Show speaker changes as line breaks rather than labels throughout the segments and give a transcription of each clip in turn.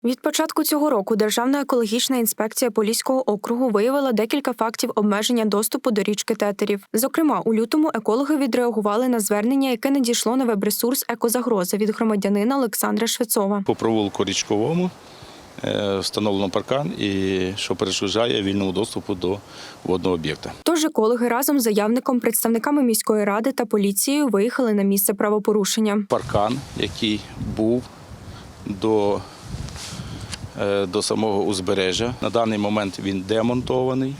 Від початку цього року Державна екологічна інспекція Поліського округу виявила декілька фактів обмеження доступу до річки Тетерів. Зокрема, у лютому екологи відреагували на звернення, яке надійшло на веб-ресурс «Екозагроза» від громадянина Олександра Швецова.
По провулку Річковому встановлено паркан, що перешкоджає вільному доступу до водного об'єкта.
Тож екологи разом з заявником, представниками міської ради та поліцією виїхали на місце правопорушення.
Паркан, який був до самого узбережжя. На даний момент він демонтований.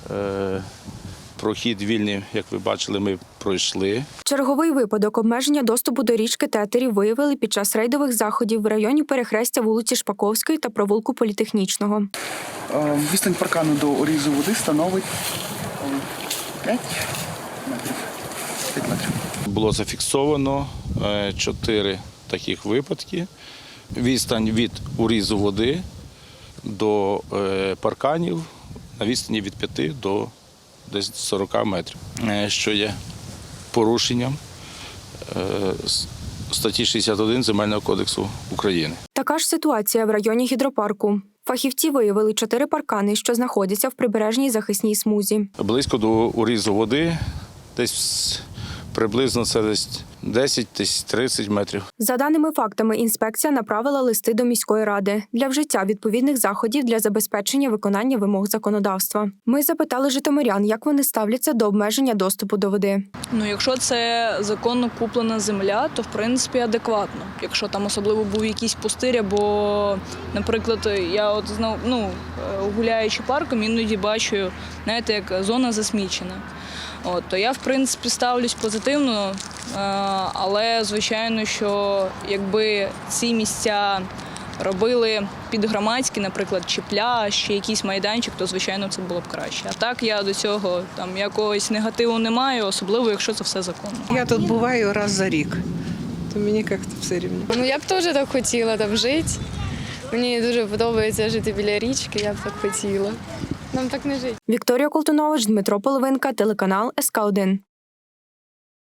Прохід вільний, як ви бачили, ми пройшли.
Черговий випадок обмеження доступу до річки Тетерів виявили під час рейдових заходів в районі перехрестя вулиці Шпаковської та провулку Політехнічного.
Відстань паркану до урізу води становить 5 метрів. 5 метрів.
Було зафіксовано 4 таких випадки. Відстань від урізу води до парканів на відстані від 5 до десь 40 метрів, що є порушенням статті 61 Земельного кодексу України.
Така ж ситуація в районі гідропарку. Фахівці виявили 4 паркани, що знаходяться в прибережній захисній смузі.
Близько до урізу води, десь приблизно це десь 10-30 метрів.
За даними фактами, інспекція направила листи до міської ради для вжиття відповідних заходів для забезпечення виконання вимог законодавства. Ми запитали житомирян, як вони ставляться до обмеження доступу до води.
Якщо це законно куплена земля, то в принципі адекватно. Якщо там особливо був якийсь пустир, або, наприклад, я гуляючи парком, іноді бачу, знаєте, як зона засмічена. То я, в принципі, ставлюсь позитивно, але, звичайно, що якби ці місця робили під громадські, наприклад, чи пляж, чи якийсь майданчик, то, звичайно, це було б краще. А так я до цього якогось негативу не маю, особливо, якщо це все законно.
Я тут буваю раз за рік, то мені як-то все рівно.
Я б теж так хотіла там жити. Мені дуже подобається жити біля річки, я б так хотіла. Нам так не жити.
Вікторія Колтунович, Дмитро Половинка, телеканал СК1.